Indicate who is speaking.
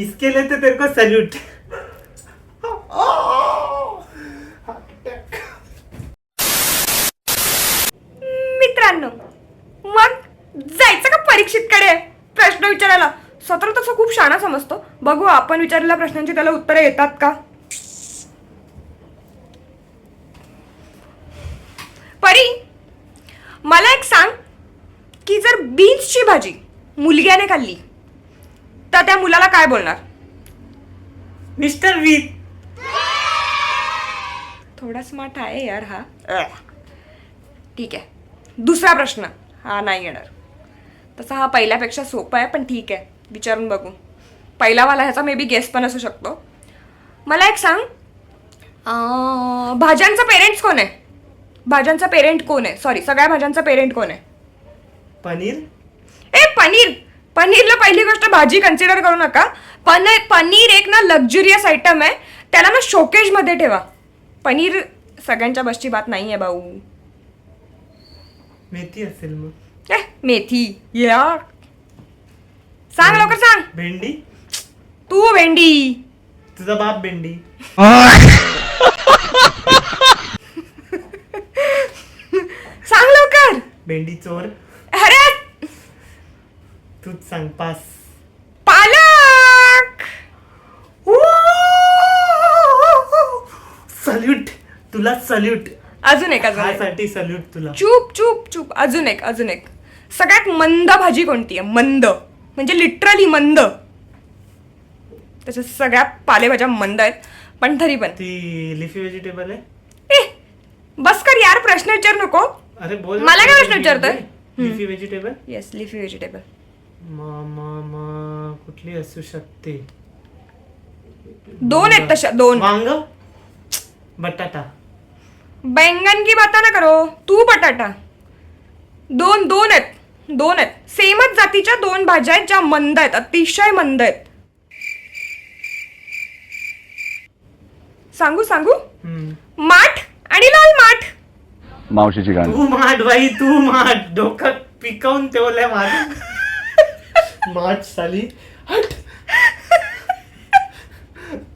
Speaker 1: इसके लिए तो तेरे को सल्यूट.
Speaker 2: मित्रांनो, मग जायचं का परीक्षितकडे प्रश्न विचारायला? सत्र तसं खूप शाणा समजतो. बघू आपण विचारलेल्या प्रश्नांची त्याला उत्तरं येतात का. परी, मला एक सांग की जर बीन्सची भाजी मुलग्याने खाल्ली तर त्या मुलाला काय बोलणार?
Speaker 1: मिस्टर वीर.
Speaker 2: थोडा स्मार्ट आहे यार हा. ठीक आहे. दुसरा प्रश्न हा नाही येणार. तसा हा पहिल्यापेक्षा सोपा आहे, पण ठीक आहे, विचारून बघू. पहिलावाला ह्याचा मे बी गेस पण असू शकतो. मला एक सांग, भाज्यांचा पेरेंट्स कोण आहे? भाज्यांचा पेरेंट कोण आहे? सॉरी, सगळ्या भाज्यांचा पेरेंट कोण आहे?
Speaker 1: पनीर.
Speaker 2: पनीर. पनीरला पहिली गोष्ट भाजी कन्सिडर करू नका. पनीर एक ना लक्झुरियस आयटम आहे. त्याला ना शोकेजमध्ये ठेवा. पनीर सगळ्यांच्या बसची बात नाही आहे भाऊ.
Speaker 1: मेथी असेल मग.
Speaker 2: मेथी या. सांग लवकर सांग.
Speaker 1: भेंडी.
Speaker 2: तू भेंडी.
Speaker 1: तुझा बाप भेंडी.
Speaker 2: सांग लवकर.
Speaker 1: भेंडी चोर.
Speaker 2: अरे
Speaker 1: तूच सांग. पास.
Speaker 2: पालक.
Speaker 1: सल्यूट तुला. सल्यूट.
Speaker 2: अजून एक.
Speaker 1: साठी सल्यूट तुला.
Speaker 2: चूप चूप चूप. अजून एक. सगळ्यात मंद भाजी कोणती आहे? मंद म्हणजे लिटरली मंद. त्याच्या सगळ्या पालेभाज्या मंद आहेत, पण तरी पण.
Speaker 1: ती लिफी व्हेजिटेबल आहे.
Speaker 2: बस कर यार, प्रश्न विचार नको.
Speaker 1: अरे बोल.
Speaker 2: मला काय प्रश्न विचारतोय?
Speaker 1: Leafy vegetable.
Speaker 2: Yes, leafy vegetable.
Speaker 1: कुठली असू शकते?
Speaker 2: दोन आहेत तशा. दोन.
Speaker 1: वांग. बटाटा.
Speaker 2: बैंगन की बाता ना करो. तू बटाटा. दोन आहेत. सेमच जातीच्या दोन भाज्या आहेत ज्या मंद आहेत, अतिशय मंद आहेत. सांगू? माठ आणि लाल माठ.
Speaker 3: मावशीची गाणी.
Speaker 1: तू माठ बाई, तू माठ. डोकं पिकवून ठेवलंय माझं. माठ साली. हट.